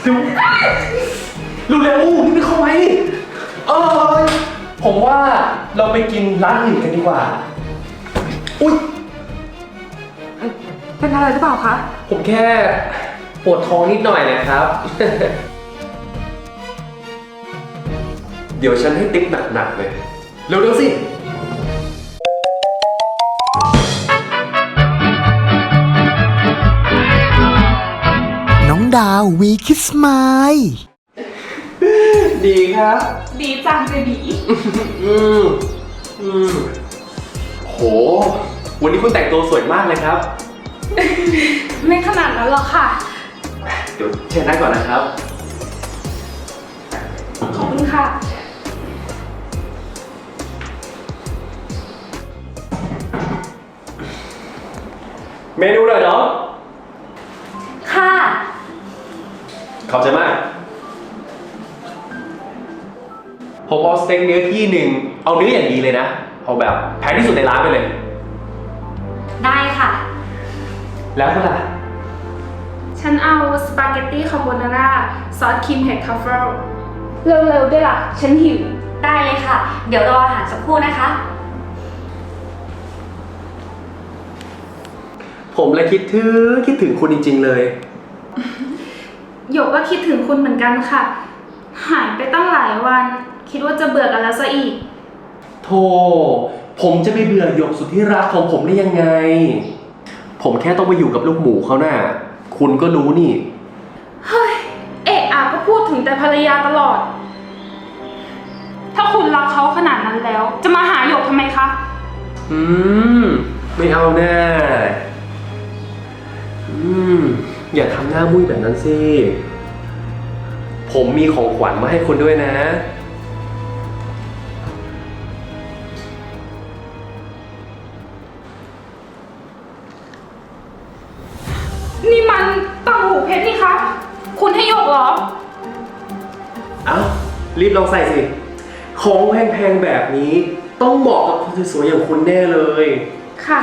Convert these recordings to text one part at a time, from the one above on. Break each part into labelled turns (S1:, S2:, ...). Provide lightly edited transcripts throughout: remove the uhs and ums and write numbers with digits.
S1: เร็วนี่ไม่เข้าไว้เออผมว่าเราไปกินร้านอื่นกันดีกว่าอุ๊ย
S2: เป็นอะไรหรือเปล่าคะ
S1: ผมแค่ปวดท้องนิดหน่อยนะครับ เดี๋ยวฉันให้ติ๊กหนักๆเลยเร็วๆสิ
S3: น้องดาววีคิสไมล์
S1: ดีครับ
S2: ดีจังเบบี
S1: โหวันนี้คุณแต่งตัวสวยมากเลยครับ
S2: ไม่ขนาดนั้นหรอกค่ะ
S1: เดี๋ยวเชิญนั่งก่อนนะครับ
S2: ขอบคุณค่ะ
S1: เมนูหน่อยเนาะ
S2: ค่ะ
S1: ขอบใจมากผมเอาสเต็กเนื้อที่หนึ่งเอาเนื้ออย่างดีเลยนะเอาแบบแพงที่สุดในร้านไปเลย
S2: ได้ค่ะ
S1: แล้วคุณล่ะ
S2: ฉันเอาสปาเกตตี้คาโบนาร่าซอสครีมเห็ดทรัฟเฟิลเร็วๆด้วยล่ะฉันหิวได้เลยค่ะเดี๋ยวรออาหารสักครู่นะคะ
S1: ผมเลยคิดถึงคุณจริงๆเลย
S2: หยกก็คิดถึงคุณเหมือนกันค่ะหายไปตั้งหลายวันคิดว่าจะเบื่อกันแล้วซะอีก
S1: โธ่ผมจะไปเบื่อหยกสุดที่รักของผมได้ยังไงผมแค่ต้องไปอยู่กับลูกหมูเขาน่ะคุณก็รู้นี่
S2: เฮ้ยเอะอะก็พูดถึงแต่ภรรยาตลอดถ้าคุณรักเขาขนาดนั้นแล้วจะมาหาหยกทำไมคะ
S1: ไม่เอาแน่อย่าทำหน้ามุ้ยแบบนั้นสิผมมีของขวัญมาให้คุณด้วยนะ
S2: นี่มันต่างหูเพชรนี่คะคุณให้หยกเหรอ
S1: เอ้ารีบลองใส่สิของแพงๆแบบนี้ต้องเหมาะกับคนสวยๆอย่างคุณแน่เลย
S2: ค่ะ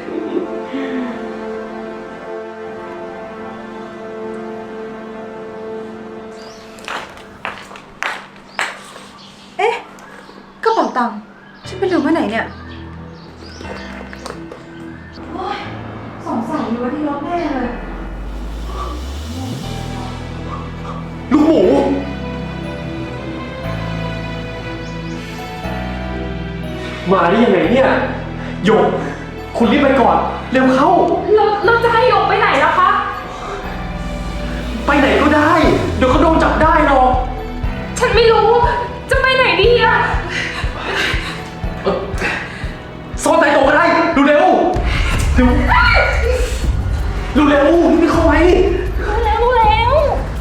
S4: กระเป๋าตังค์ฉันไปลืมไว้ไหนเนี่ยโอ๊ยสงสัยอยู่ว่าที่รถแน่เลย
S1: ลูกหมูมาได้ยังไงเนี่ยหยกคุณรีบไปก่อนเร็วเข้า
S2: เราจะให้หยกไปไหนล่ะคะ
S1: ไปไหนก็ได้เดี๋ยวเขาโดนจับได้หรอก
S2: ฉันไม่รู้จะไปไหนดีอะ
S1: ซ่อนใต้โต๊ะก็ได้ดูเร็วดูเร็วนี่ไม่เข้าไว้
S2: รู้แล้ว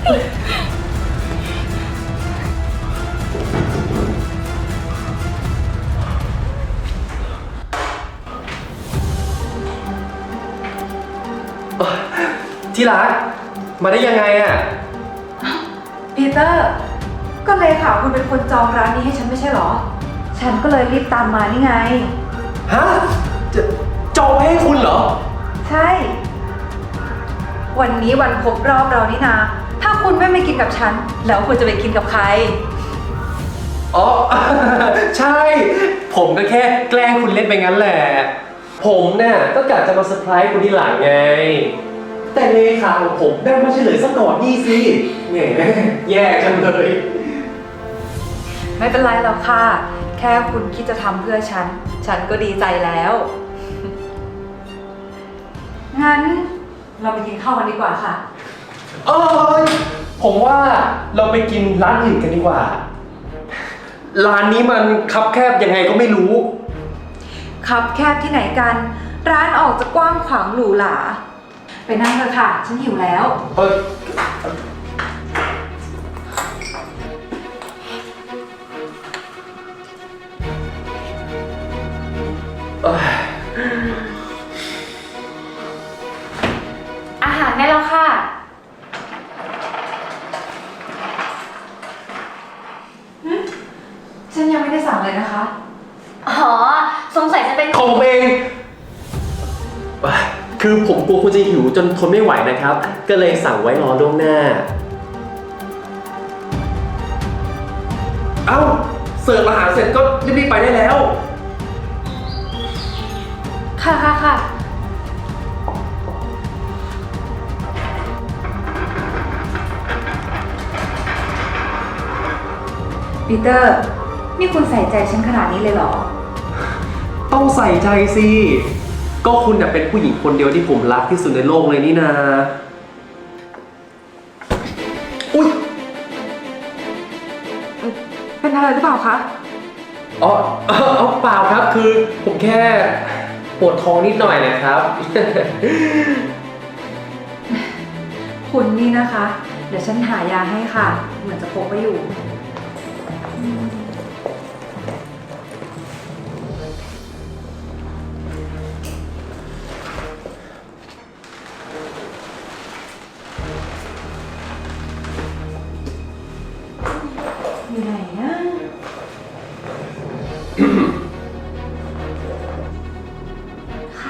S1: ที่รักมาได้ยังไงอ่ะ
S4: ปีเตอร์ก็เลขาคุณเป็นคนจองร้านนี้ให้ฉันไม่ใช่หรอฉันก็เลยรีบตามมานี่ไง
S1: ฮะจะจองไว้ให้คุณเหรอ
S4: ใช่วันนี้วันครบรอบเรานี่นะถ้าคุณไม่กินกับฉันแล้วคุณจะไปกินกับใคร
S1: อ๋อ ใช่ผมก็แค่แกล้งคุณเล่นไปงั้นแหละผมเนี่ยก็กะจะมาเซอร์ไพรส์คุณที่หลังไงแต่เลขาของผมได้มาเฉลยซะก่อนนี่สิแหมแย่จังเลย
S4: ไม่เป็นไรหรอกค่ะแค่คุณคิดจะทำเพื่อฉันฉันก็ดีใจแล้วงั้นเราไปกินข้าวกันดีกว่าค่ะ
S1: ผมว่าเราไปกินร้านอื่นกันดีกว่าร้านนี้มันคับแคบยังไงก็ไม่รู้
S4: คับแคบที่ไหนกันร้านออกจะกว้างขวางหรูหราไปนั่งเถอะค่ะฉันหิวแล้ว
S2: อาหารได้แล้วค่ะ
S4: ฉันยังไม่ได้สั่งเลยนะคะ
S2: อ๋อสงสัยจะเป็น
S1: ของเองคือผมกลัวคุณจะหิวจนทนไม่ไหวนะครับก็เลยสั่งไว้รอล่วงหน้าเอ้าเสิร์ฟอาหารเสร็จก็รีบๆไปได้แล้ว
S2: ค่ะค่ะค่ะ
S4: ปีเตอร์ นี่คุณใส่ใจฉันขนาดนี้เลยเหรอ
S1: ต้องใส่ใจสิ ก็คุณน่ะเป็นผู้หญิงคนเดียวที่ผมรักที่สุดในโลกเลยนี่นาอุ๊ย
S4: เป็นอะไรหรือเปล่าคะ
S1: อ๋อเปล่าครับ คือผมแค่ปวดท้องนิดหน่อยนะครับ
S4: คุณนี่นะคะ เดี๋ยวฉันหายาให้ค่ะ เหมือนจะพกไว้อยู่ อยู่ไหนนะ
S2: ค่ะ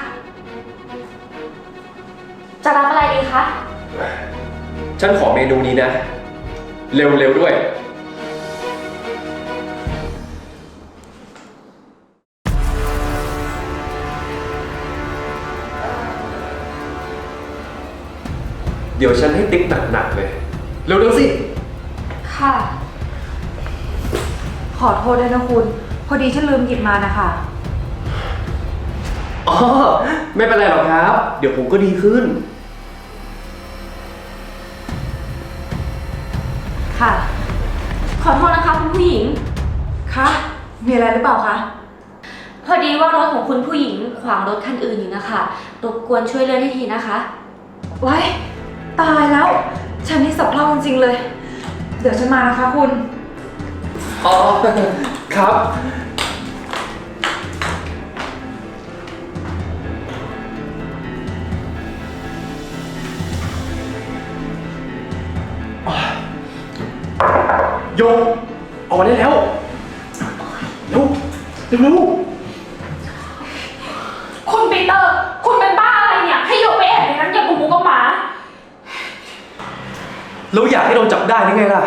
S2: จะรับอะไรดีคะ
S1: ฉันขอเมนูนี้นะ เร็วๆด้วย เดี๋ยวฉันให้ติ๊กหนักๆเลย เร็วๆสิ
S2: ค่ะ
S4: ขอโทษด้วยนะคุณ พอดีฉันลืมหยิบมานะคะ
S1: อ๋อ ไม่เป็นไรหรอกครับ เดี๋ยวผมก็ดีขึ้น
S4: ค่ะ
S2: ขอโทษนะคะคุณผู้หญิง
S4: คะ มีอะไรหรือเปล่าคะ
S2: พอดีว่ารถของคุณผู้หญิงขวางรถคันอื่นอยู่นะคะรบกวนช่วยเลื่อนให้ทีนะคะ
S4: ไว้ ตายแล้ว ฉันนี่สับเพร่าจริงๆเลย เดี๋ยวฉันมานะคะคุณ
S1: อ๋อ ครับ โยกออกมาได้แล้วเร็วเร็ว
S2: คุณปีเตอร์ คุณเป็นบ้าอะไรเนี่ย ให้ยกไปแอบในนั้นอย่างหมูกับหมา
S1: แล้วอยากให้โดนจับได้ยังไงล่ะ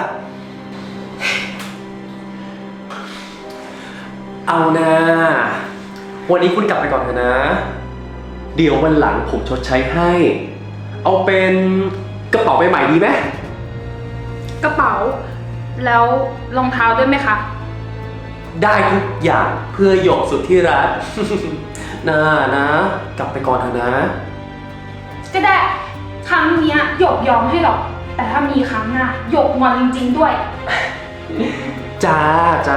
S1: เอานะวันนี้คุณกลับไปก่อนเถอะนะ เดี๋ยววันหลังผมชดใช้ให้ เอาเป็นกระเป๋าใบใหม่ดีไหม
S2: กระเป๋า แล้วรองเท้าด้วยไหมคะ
S1: ได้ทุกอย่างเพื่อหยกสุดที่รัก นะ กลับไปก่อนเถอะนะ
S2: ก็ได้ ครั้งเนี้ยหยกยอมให้หรอก แต่ถ้ามีครั้งหน้าหยกงอนจริงๆด้วย
S1: จ้า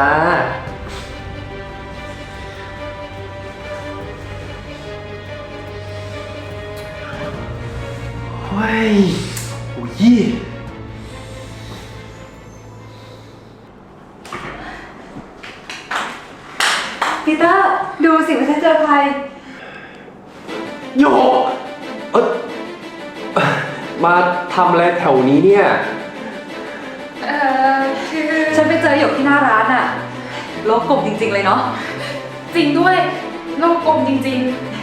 S1: เฮ้ยโอ้ย
S4: ปีเตอร์ ดูสิว่าฉันเจอใคร
S1: โยกเอ่อมาทำอะไรแถวนี้เนี่ย
S2: คือ
S4: ฉันไปเจอหยกที่หน้าร้านอะโลกกลมจริงๆเลยเนาะ
S2: จริงด้วยโลกกลมจริง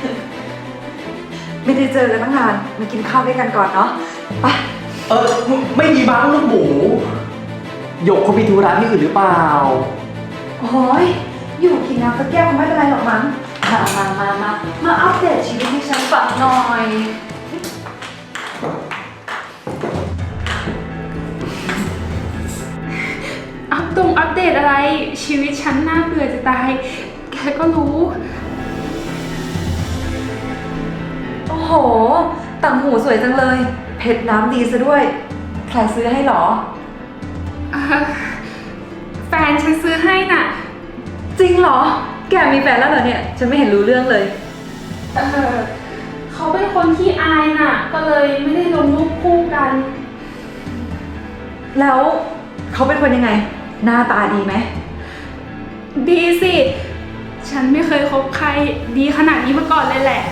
S4: ไม่ได้เจอกันตั้งนาน มากินข้าวด้วยกันก่อนเนาะ ไป
S1: ไม่มีบ้างลูกหมูหยกเขามีธุระที่อื่นหรือเปล่า
S4: โอ้ยอยู่กินน้ำสักแก้วคงไม่เป็นไรหรอกมั้ง มาอัปเดตชีวิตให้ฉันฟังหน่อย
S2: ๆ อัปเดตอะไร ชีวิตฉันน่าเบื่อจะตาย แกก็รู้
S4: โอ้โห ต่างหูสวยจังเลย เพชรน้ำดีซะด้วย ใครซื้อให้หรอ
S2: แฟนฉันซื้อให้น่ะ
S4: จริงเหรอ แกมีแฟนแล้วเหรอเนี่ย ฉันไม่เห็นรู้เรื่องเลย
S2: เขาเป็นคนที่อายน่ะ ก็เลยไม่ได้ลงรูปคู่กัน
S4: แล้วเขาเป็นคนยังไง หน้าตาดีไหม
S2: ดีสิ ฉันไม่เคยคบใครดีขนาดนี้มาก่อนเลยแหละ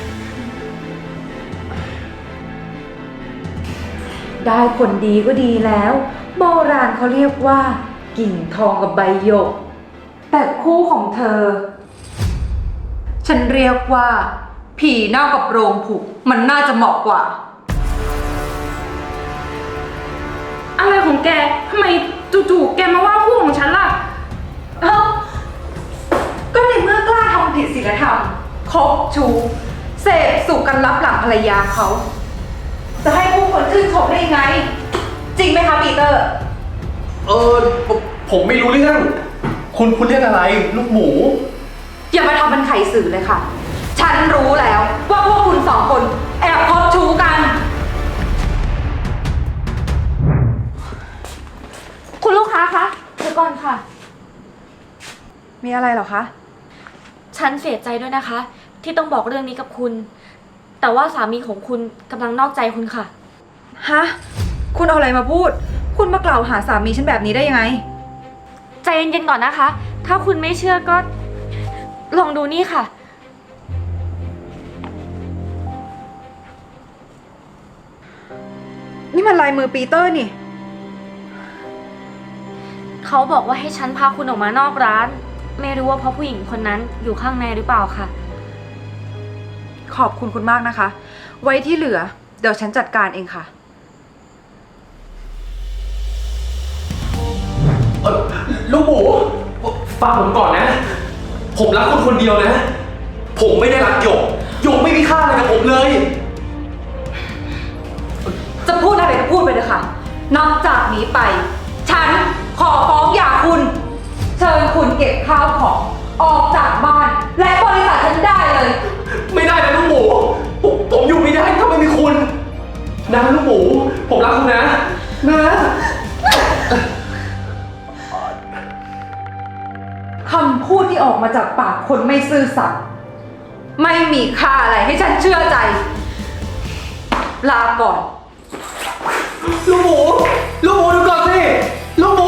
S4: ได้คนดีก็ดีแล้ว โบราณเขาเรียกว่า กิ่งทองกับใบหยก แต่คู่ของเธอ ฉันเรียกว่า ผีเน่ากับโรงผุมันน่าจะเหมาะกว่า
S2: อะไรของแก ทำไมจู่ๆแกมาว่าคู่ของฉันล่ะ
S4: ลธรรมคบชู้เสพสุขกันลับหลังภรรยาเขา จะให้ผู้คนชื่นชมได้ยังไง จริงไหมคะปีเตอร์
S1: ผมไม่รู้เรื่อง คุณเรียกอะไร ลูกหมู
S4: อย่ามาทำเป็นไขสื่อเลยค่ะ ฉันรู้แล้วว่าพวกคุณสองคนแอบคบชู้กัน
S2: คุณลูกค้าคะเดี๋ยวก่อนค่ะ
S4: มีอะไรเหรอคะ
S2: ฉันเสียใจด้วยนะคะ ที่ต้องบอกเรื่องนี้กับคุณ แต่ว่าสามีของคุณกำลังนอกใจคุณค่ะ
S4: ฮะ คุณเอาอะไรมาพูด คุณมากล่าวหาสามีฉันแบบนี้ได้ยังไง
S2: ใจเย็นๆก่อนนะคะ ถ้าคุณไม่เชื่อก็ลองดูนี่ค่ะ
S4: นี่มันลายมือปีเตอร์นี่
S2: เขาบอกว่าให้ฉันพาคุณออกมานอกร้าน ไม่รู้ว่าเพราะผู้หญิงคนนั้นอยู่ข้างในหรือเปล่าค่ะ
S4: ขอบคุณคุณมากนะคะ ไว้ที่เหลือ เดี๋ยวฉันจัดการเองค่ะ
S1: ลูกหมู ฟังผมก่อนนะ ผมรักคุณคนเดียวนะ ผมไม่ได้รักหยก หยกไม่มีค่าอะไรกับผมเลย
S4: จะพูดอะไรก็พูดไปเลยค่ะ นอกจากนี้ไป ฉันขอฟ้องหย่าคุณ เชิญคุณเก็บข้าวของออกจากบ้าน และบริษัทฉันได้เลย
S1: ไม่ได้นะลูกหมู ผมอยู่ไม่ได้ถ้าไม่มีคุณ นะลูกหมู ผมรักคุณนะ นะ
S4: คำพูดที่ออกมาจากปากคนไม่ซื่อสัตย์ไม่มีค่าอะไรให้ฉันเชื่อใจ ลาก่อน
S1: ลูกหมู ลูกหมูดูก่อนสิ ลูกหมู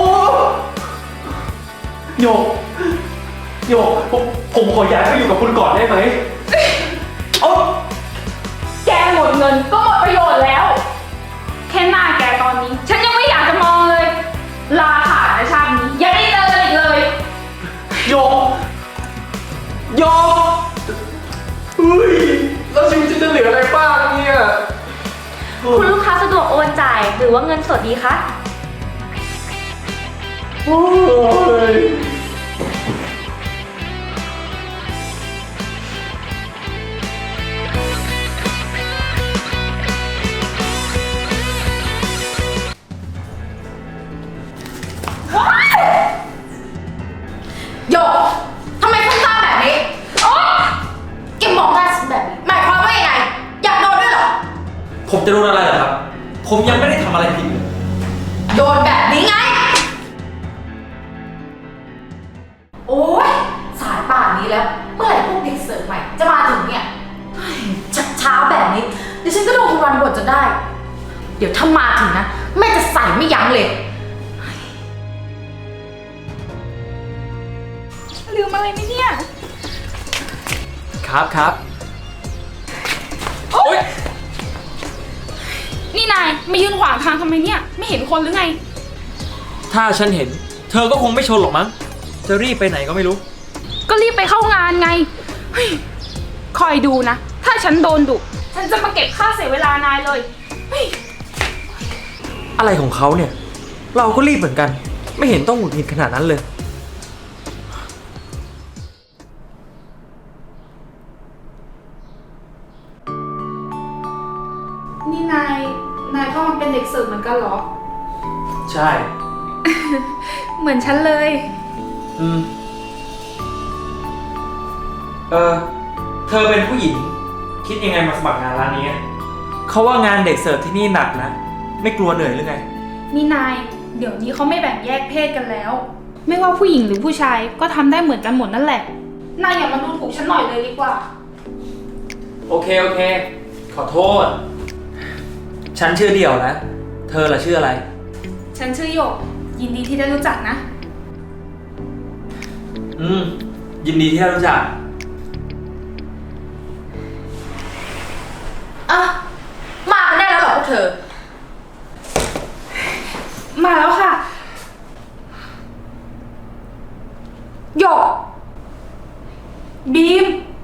S1: โยกโยกผมขอย้ายไปอยู่กับคุณก่อนได้ไหมโอ๊
S2: แกหมดเงินก็หมดประโยชน์แล้ว แค่หน้าแกตอนนี้ ฉันยังไม่อยากจะมองเลย ลาขาดนะชาตินี้อย่าได้เจอกันอีกเลย
S1: โยกโยกเฮ้ยแล้วชีวิตฉันจะเหลืออะไรบ้างเนี่ย
S2: คุณลูกค้าสะดวกโอนจ่ายหรือว่าเงินสดดีคะ
S1: โอ้ย
S5: โยกทำไมคุณตาแบบนี้ โอ๊ยแกมองหน้าฉันแบบนี้หมายความว่ายังไง อยากโดนด้วยเหรอ
S6: ผมจะโดนอะไรเหรอครับ ผมยังไม่ได้ทำอะไรผิดเลย
S5: โดนแบบนี้ไง โอ๊ย สายป่านนี้แล้ว เมื่อไหร่พวกเด็กเสิร์ฟใหม่จะมาถึงเนี่ยเฮ้ยช้าแบบนี้ เดี๋ยวฉันก็โดนคุณวันบ่นจนได้ เดี๋ยวถ้ามาถึงนะ แม่จะใส่ไม่ยั้งเลย
S2: ลืมอะไรไหมเนี่ย
S6: ครับโอ๊ย
S2: นี่นายมายืนขวางทางทำไมเนี่ย ไม่เห็นคนหรือไง
S6: ถ้าฉันเห็น เธอก็คงไม่ชนหรอกมั้ง จะรีบไปไหนก็ไม่รู้
S2: ก็รีบไปเข้างานไงเฮ้ยคอยดูนะ ถ้าฉันโดนดุ ฉันจะมาเก็บค่าเสียเวลานายเลยเฮ้ย
S6: อะไรของเขาเนี่ย เราก็รีบเหมือนกัน ไม่เห็นต้องหงุดหงิดขนาดนั้นเลย
S2: นี่นายก็มาเป็นเด็กเสิร์ฟเหมือนกันเหรอ
S6: ใช่
S2: เหมือนฉันเลย
S6: เธอเป็นผู้หญิง คิดยังไงมาสมัครงานร้านนี้ เขาว่างานเด็กเสิร์ฟที่นี่หนักนะ ไม่กลัวเหนื่อยหรือไง
S2: นี่นาย เดี๋ยวนี้เขาไม่แบ่งแยกเพศกันแล้ว ไม่ว่าผู้หญิงหรือผู้ชายก็ทำได้เหมือนกันหมดนั่นแหละ นายอย่ามาดูถูกฉันหน่อยเลยดีกว่า
S6: โอเค ขอโทษ ฉันชื่อเดี่ยวนะ เธอล่ะชื่ออะไร
S2: ฉันชื่อหยก ยินดีที่ได้รู้จักนะ
S6: ยินดีที่ได้รู้จัก
S5: อ่ะ มากันได้แล้วเหรอพวกเธอ
S2: มาแล้วค่ะ
S4: หยก
S2: บีม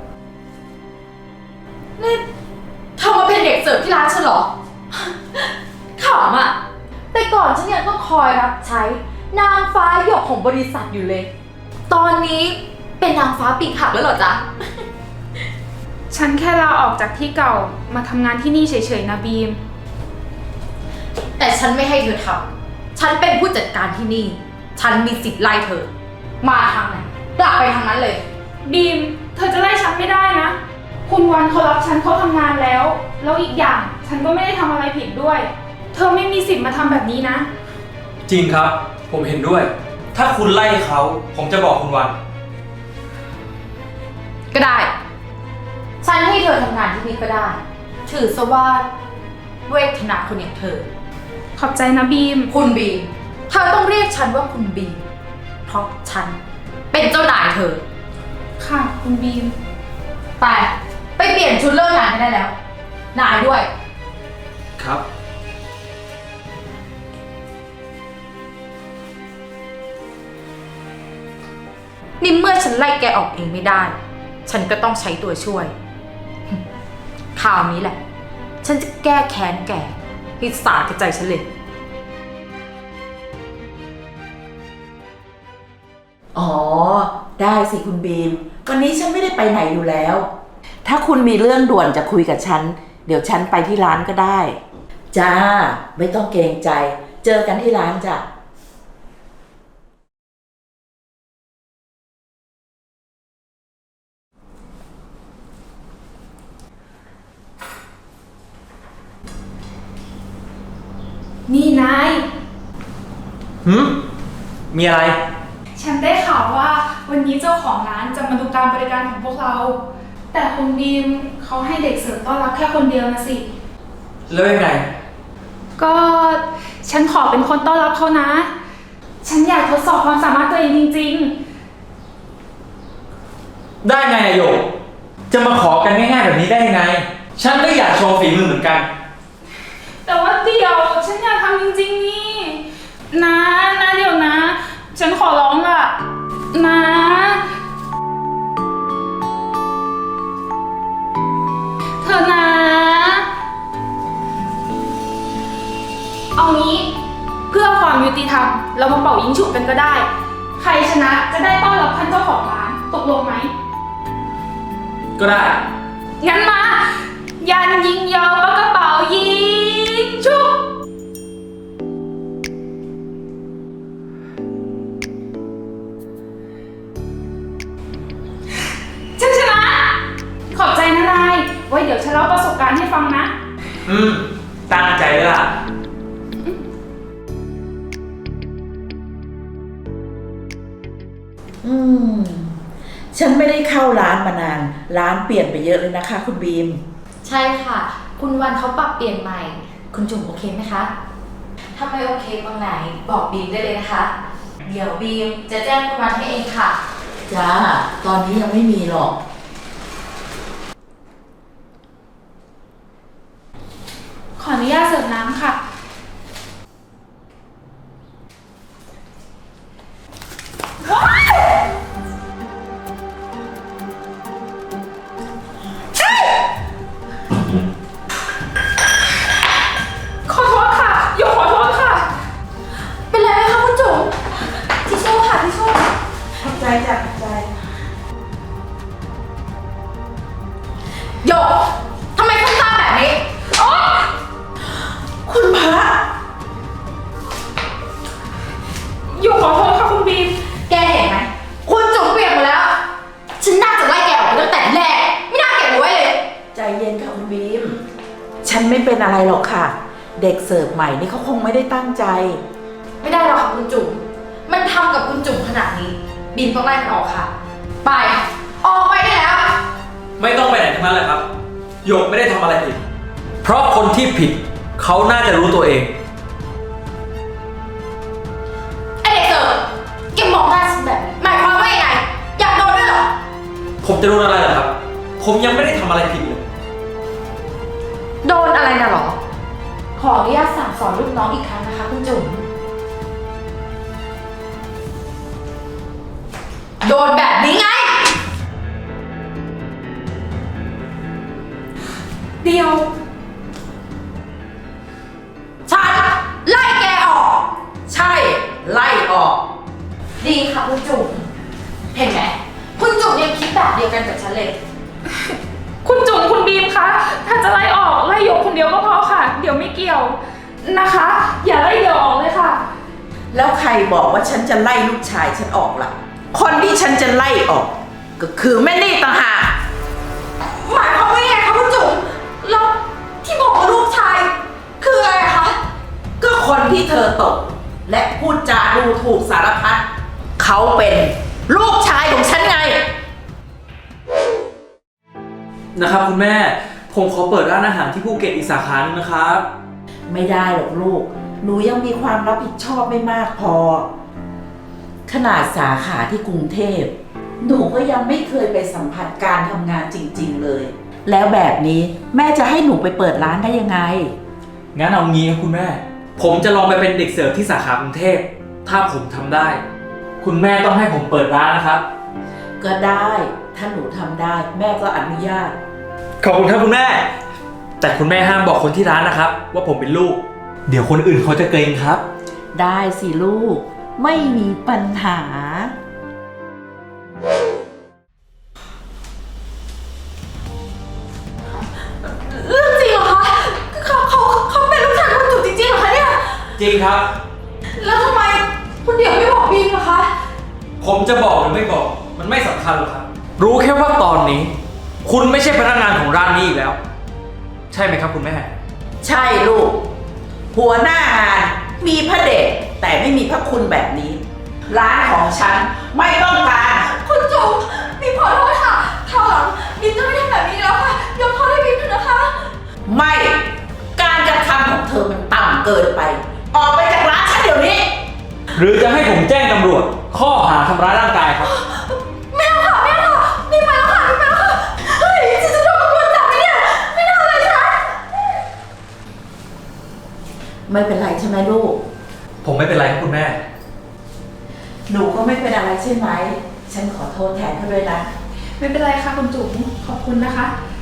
S5: นี่เธอมาเป็นเด็กเสิร์ฟที่ร้านฉันเหรอ ขำอ่ะ แต่ก่อนฉันยังต้องคอยรับใช้นางฟ้าหยกของบริษัทอยู่เลย ตอนนี้ไปเป็นนางฟ้าปีกหักแล้วเหรอจ๊ะ
S2: ฉันแค่ลาออกจากที่เก่ามาทำงานที่นี่เฉยๆนะบีม
S5: แต่ฉันไม่ให้เธอทำฉันเป็นผู้จัดการที่นี่ ฉันมีสิทธิ์ไล่เธอ มาทางไหนกลับไปทางนั้นเลย
S2: บีม เธอจะไล่ฉันไม่ได้นะ คุณวันเขารับฉันเข้าทำงานแล้ว แล้วอีกอย่างฉันก็ไม่ได้ทำอะไรผิดด้วย เธอไม่มีสิทธิ์มาทำแบบนี้นะ
S6: จริงครับ ผมเห็นด้วย ถ้าคุณไล่เขา ผมจะบอกคุณวัน
S5: ก็ได้ ฉันให้เธอทำงานที่นี่ก็ได้ ถือซะว่าเวทนาคนอย่างเธอ
S2: ขอบใจนะบีม
S5: คุณบีม เธอต้องเรียกฉันว่าคุณบีม เพราะฉันเป็นเจ้านายเธอ
S2: ค่ะ คุณบีม
S5: ไปเปลี่ยนชุดเลิกงานให้ได้แล้ว นายด้วย
S6: ครับ
S5: นี่เมื่อฉันไล่แกออกเองไม่ได้ ฉันก็ต้องใช้ตัวช่วย คราวนี้แหละ ฉันจะแก้แค้นแกให้สาแก่ใจฉันเลย
S7: อ๋อ ได้สิคุณบีม วันนี้ฉันไม่ได้ไปไหนอยู่แล้ว ถ้าคุณมีเรื่องด่วนจะคุยกับฉัน เดี๋ยวฉันไปที่ร้านก็ได้ จ้า ไม่ต้องเกรงใจ เจอกันที่ร้านจ้ะ
S2: นี่นาย
S6: มีอะไร
S2: ฉันได้ข่าวว่าวันนี้เจ้าของร้านจะมาดูการบริการของพวกเรา แต่คุณบีมเขาให้เด็กเสิร์ฟต้อนรับแค่คนเดียวนะสิ
S6: แล้วยังไง
S2: ก็ฉันขอเป็นคนต้อนรับเขานะ ฉันอยากทดสอบความสามารถตัวเองจริง
S6: ได้ไงอะโยก จะมาขอกันง่ายๆแบบนี้ได้ยังไง ฉันก็อยากโชว์ฝีมือเหมือนกัน
S2: ๆ แต่ว่าเดี๋ยวฉันอยากทำจริงๆนี่นะเดี๋ยวนะ ฉันขอร้องล่ะนะเธอนะ เอางี้เพื่อความยุติธรรมเรามาเป่ายิงฉุบกันก็ได้ ใครชนะจะได้ต้อนรับท่านเจ้าของร้านตกลงไหม
S6: ก็ได้
S2: งั้นมา ยันยิงยาวปากกระเป๋ายิงฉุบฉันชนะ ขอบใจนะนาย ไว้เดี๋ยวฉันเล่าประสบการณ์ให้ฟังนะ
S6: ตั้งใจเลยล่ะ
S7: อืม ฉันไม่ได้เข้าร้านมานาน ร้านเปลี่ยนไปเยอะเลยนะคะคุณบีม
S5: ใช่ค่ะ คุณวันเขาปรับเปลี่ยนใหม่ คุณจุ๋มโอเคไหมคะ ถ้าไม่โอเคตรงไหนบอกบีมได้เลยนะคะ เดี๋ยวบีมจะแจ้งคุณวันให้เองค่ะ
S7: จ้า ตอนนี้ยังไม่มีหรอก
S2: ขออนุญาตเสิร์ฟน้ำค่ะ ขอโทษค่ะหยกขอโทษค่ะ
S5: เป็นไรไหมคะคุณจุ๋มทิชชู่ค่ะทิชชู่
S7: ขอบใจจ้ะขอบใจ
S5: หยกทำไมคุณตาแบบนี้
S7: คุณพระ
S2: หยกขอโทษค่ะคุณบีม
S5: แกเห็นไหม คุณจุ๋มเปลี่ยนหมดแล้ว ฉันน่าจะไล่แกออกไปตั้งแต่แรก ไม่น่าเก็บเอาไว้เลย
S7: ใจเย็นค่ะคุณบีม ฉันไม่เป็นอะไรหรอกค่ะ เด็กเสิร์ฟใหม่นี่เขาคงไม่ได้ตั้งใจ
S5: ไม่ได้หรอกค่ะคุณจุ๋ม มันทำกับคุณจุ๋มขนาดนี้ บีมต้องไล่มันออกค่ะ ไป ออกไปได้แล้ว
S6: ไม่ต้องไปไหนทั้งนั้นแหละครับ โยกไม่ได้ทำอะไรผิด เพราะคนที่ผิด เขาน่าจะรู้ตัวเอง
S5: ไอเด็กเสิร์ฟแกมองหน้าฉันแบบนี้หมายความว่ายังไง อยากโดนด้วยเหรอ
S6: ผมจะรู้อะไรเหรอครับ ผมยังไม่ได้ทำอะไรผิดเลย
S5: โดนอะไรนะหรอ ขออนุญาตสั่งสอนลูกน้องอีกครั้งนะคะคุณจุ๋ม โดนแบบนี้ไง
S2: เดียว
S5: ฉันไล่แกออก
S7: ใช่ ไล่ออก
S5: ดีค่ะคุณจุ๋ม เห็นไหมคุณมยังคิดแบบเดียวกันกับฉันเลย
S2: คุณจุ๋มคุณบีมคะ ถ้าจะไล่ออกไล่หยกคนเดียวก็พอค่ะ เดี๋ยวไม่เกี่ยวนะคะ อย่าไล่เดี่ยวออกเลยค่ะ
S7: แล้วใครบอกว่าฉันจะไล่ลูกชายฉันออกล่ะ คนที่ฉันจะไล่ออก ก็คือแม่นี่ต่างหาก
S5: หมายความว่าไงคะคุณจุ๋มแล้วที่บอกว่าลูกชาย คืออะไรคะ
S7: ก็คนที่เธอตก และพูดจาดูถูกสารพัดเขาเป็นลูกชายของฉันไง
S6: นะครับคุณแม่ ผมขอเปิดร้านอาหารที่ภูเก็ตอีกสาขาหนึงนะครับ
S7: ไม่ได้หรอกลูก หนูยังมีความรับผิดชอบไม่มากพอ ขนาดสาขาที่กรุงเทพ หนูก็ยังไม่เคยไปสัมผัสการทำงานจริงๆเลย แล้วแบบนี้แม่จะให้หนูไปเปิดร้านได้ยังไง
S6: งั้นเอางี้ครับคุณแม่ ผมจะลองไปเป็นเด็กเสิร์ฟที่สาขากรุงเทพ ถ้าผมทำได้ คุณแม่ต้องให้ผมเปิดร้านนะครับ
S7: ก็ได้ ถ้าหนูทำได้แม่ก็อนุญาต
S6: ขอบคุณครับคุณแม่ แต่คุณแม่ห้ามบอกคนที่ร้านนะครับ ว่าผมเป็นลูก เดี๋ยวคนอื่นเขาจะเกรงครับ
S7: ได้สิลูก ไม่มีปัญหา
S5: เรื่องจริงเหรอคะ เขาเป็นลูกชายคุณจุ๋มจริงๆเหรอคะเนี่ย
S6: จริงครับ
S5: แล้วทำไมคุณเดี่ยวไม่บอกบีมล่ะคะ
S6: ผมจะบอกหรือไม่บอก มันไม่สำคัญหรอกครับ รู้แค่ว่าตอนนี้ คุณไม่ใช่พนักงานของร้านนี้อีกแล้ว ใช่ไหมครับคุณแม่
S7: ใช่ลูก หัวหน้างานมีพระเดชแต่ไม่มีพระคุณแบบนี้ ร้านของฉันไม่ต้องการ
S5: คุณจุ๋มบีมขอโทษค่ะคราวหลังบีมจะไม่ทำแบบนี้แล้วค่ะ ยกโทษให้บีมเถอะนะคะ
S7: ไม่ การกระทำของเธอมันต่ำเกินไป ออกไปจากร้านฉันเดี๋ยวนี้
S6: หรือจะให้ผมแจ้งตำรวจ ข้อหาทำร้ายร่างกายครับ
S5: ไม่เอาค่ะไม่เอาค่ะบีมไปแล้วค่ะบีมไปแล้วค่ะ เฮ้ยฉันจะโดนตำรวจจับไหมเนี่ย ไม่น่าเลยฉัน
S7: ไม่เป็นไรใช่ไหมลูก
S6: ผมไม่เป็นไรครับคุณแม่
S7: หนูก็ไม่เป็นอะไรใช่ไหม ฉันขอโทษแทนเขาด้วยนะ
S2: ไม่เป็นไรค่ะคุณจุ๋มขอบคุณนะคะ